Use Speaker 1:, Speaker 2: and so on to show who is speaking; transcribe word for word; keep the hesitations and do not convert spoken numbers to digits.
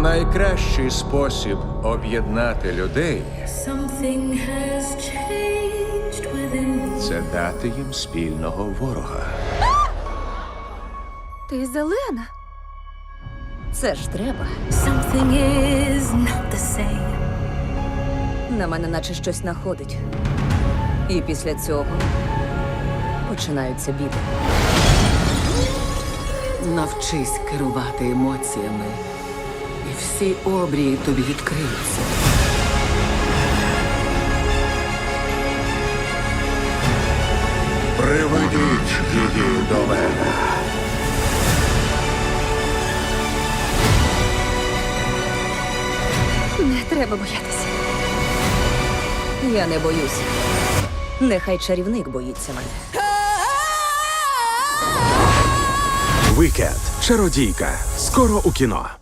Speaker 1: Найкращий спосіб об'єднати людей
Speaker 2: Something has changed within me.
Speaker 1: – це дати їм спільного ворога.
Speaker 3: Ти зелена. Це ж треба.
Speaker 2: Something is not the same.
Speaker 3: На мене наче щось находить. І після цього починаються біди.
Speaker 4: Навчись керувати емоціями, і всі обрії тобі відкриються.
Speaker 1: Приведіть її до мене.
Speaker 3: Не треба боятися. Я не боюся. Нехай чарівник боїться мене.
Speaker 5: Вікенд. Чародійка. Скоро у кіно.